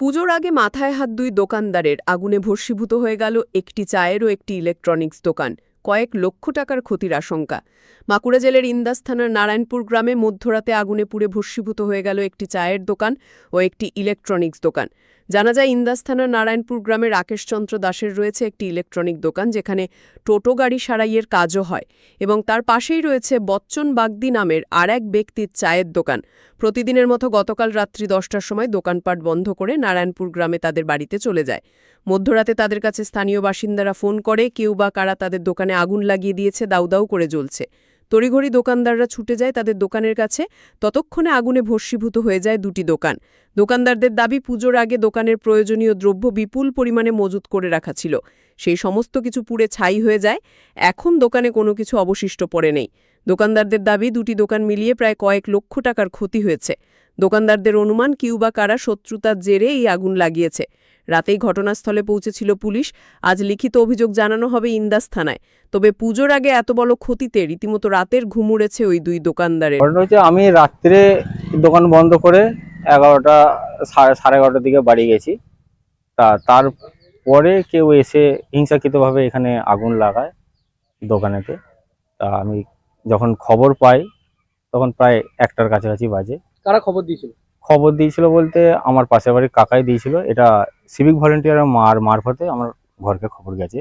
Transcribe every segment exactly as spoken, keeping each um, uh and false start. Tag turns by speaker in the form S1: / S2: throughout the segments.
S1: পুজোর আগে মাথায় হাত দুই দোকানদারের আগুনে ভস্মীভূত হয়ে গেল একটি চায়ের ও একটি ইলেকট্রনিক্স দোকান। কয়েক লক্ষ টাকার ক্ষতির আশঙ্কা। বাঁকুড়া জেলার ইন্দাস থানার নারায়ণপুর গ্রামে মধ্যরাতে আগুনে পুড়ে ভস্মীভূত হয়ে গেল একটি চায়ের দোকান ও একটি ইলেকট্রনিক্স দোকান। জানা যায়, ইন্দাস থানার নারায়ণপুর গ্রামে রাকেশচন্দ্র দাসের রয়েছে একটি ইলেকট্রনিক দোকান, যেখানে টোটো গাড়ি সারাইয়ের কাজও হয়, এবং তার পাশেই রয়েছে বচ্চন বাগদি নামের আর এক ব্যক্তির চায়ের দোকান। প্রতিদিনের মতো গতকাল রাত্রি দশটার সময় দোকানপাট বন্ধ করে নারায়ণপুর গ্রামে তাদের বাড়িতে চলে যায়। মধ্যরাতে তাদের কাছে স্থানীয় বাসিন্দারা ফোন করে কেউ বা কারা তাদের দোকানে আগুন লাগিয়ে দিয়েছে, দাউ দাউ করে জ্বলছে। তড়িঘড়ি দোকানদাররা ছুটে যায় তাদের দোকানের কাছে। ততক্ষণে আগুনে ভস্মীভূত হয়ে যায় দুটি দোকান। দোকানদারদের দাবি, পুজোর আগে দোকানের প্রয়োজনীয় দ্রব্য বিপুল পরিমাণে মজুত করে রাখা ছিল, সেই সমস্ত কিছু পুড়ে ছাই হয়ে যায়। এখন দোকানে কোনো কিছু অবশিষ্ট পড়ে নেই। দোকানদারদের দাবি, দুটি দোকান মিলিয়ে প্রায় কয়েক লক্ষ টাকার ক্ষতি হয়েছে। দোকানদারদের অনুমান, কিউ বা কারা শত্রুতার জেরে এই আগুন লাগিয়েছে। রাতেই ঘটনাস্থলে পৌঁছেছিল পুলিশ। আজ লিখিত অভিযোগ জানানো হবে ইন্দাস থানায়। তবে পুজোর আগে এত বড় ক্ষতিতে রীতিমতো রাতের ঘুম উড়েছে ওই দুই দোকানদারের।
S2: আমি রাত্রে দোকান বন্ধ করে এগারোটা সাড়ে এগারোটার দিকে বাড়ি গেছি। তা তারপরে কেউ এসে হিংসাকৃতভাবে এখানে আগুন লাগায় দোকানেতে। তা আমি যখন খবর পাই তখন প্রায় একটার কাছাকাছি বাজে।
S3: কারা খবর দিয়েছিল?
S2: খবর দিয়েছিল বলতে আমার পাশের বাড়ির কাকাই দিয়েছিল। এটা সিভিক ভলেন্টিয়ারের মার মারফতে আমার ঘরকে খবর গেছে।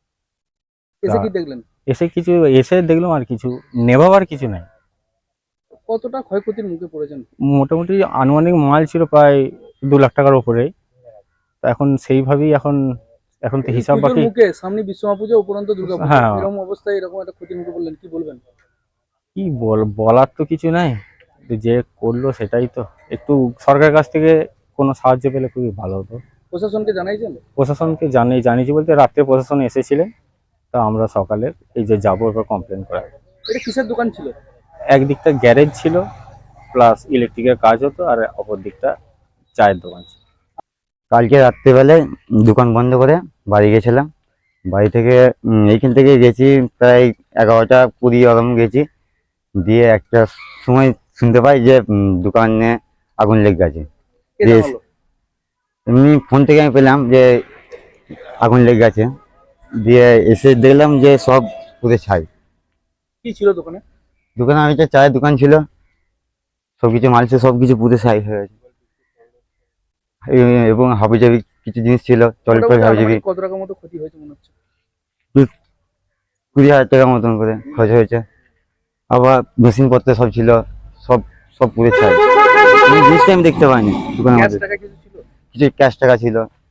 S3: এসে কি দেখলেন?
S2: এসে কিছু এসে দেখলাম আর কিছু নেভাবার কিছু নাই।
S3: কতটা ক্ষয়ক্ষতির মুখে পড়েছেন?
S2: মোটামুটি আনুমানিক মাল ছিল প্রায় দু লাখ টাকার উপরে। তো এখন সেইভাবেই এখন এখন তো হিসাব বাকি।
S3: মুখে সামনে বিশ্বকর্মা পুজো, উপরন্ত দুর্গা পুজো,
S2: হ্যাঁ,
S3: এরকম অবস্থায় এরকম একটা ক্ষতির মুখে পড়লেন, কি বলবেন?
S2: কি বল বলার তো কিছু নাই, যে করলো সেটাই তো। একটু সরকারের কাছ থেকে কোনো সাহায্য পেলে খুবই ভালো হতো।
S3: প্রশাসনকে জানাইছেন?
S2: প্রশাসনকে জানিয়ে জানিয়েছি বলতে রাত্রে প্রশাসন এসেছিলেন। তা আমরা সকালে এই যে যাবো এবার কমপ্লেন করা।
S3: এটা কিসের দোকান ছিল?
S2: একদিকটা গ্যারেজ ছিল, প্লাস ইলেকট্রিকের কাজ হতো, আর অপর দিকটা চায়ের দোকান ছিল।
S4: কালকে রাত্রেবেলায় দোকান বন্ধ করে বাড়ি গেছিলাম। বাড়ি থেকে এইখান থেকে গেছি প্রায় এগারোটা কুড়ি ওরকম গেছি। দিয়ে একটা সময় শুনতে পাই যে দোকানে আগুন লেগে গেছে। এমনি ফোন থেকে আমি পেলাম যে আগুন লেগে গেছে। দিয়ে এসে দেখলাম যে সব পুরো ছাই।
S3: কি ছিল দোকানে?
S4: দোকানে আমি একটা চায়ের দোকান ছিল, সবকিছু মাল ছিল, সবকিছু পুরো ছাই হয়ে গেছে। এবং হাবিজাবি কিছু জিনিস ছিল, চলপল হাবিজাবি।
S3: কত টাকার মতো ক্ষতি হয়েছে মনে হচ্ছে?
S4: কুড়ি হাজার টাকার মতন করে খরচ হয়েছে। আবার মেশিনপত্র সব ছিল, সব সব পুরো ছাই। জিনিসটা আমি দেখতে পাইনি দোকানের মধ্যে। কিছু ক্যাশ টাকা ছিল।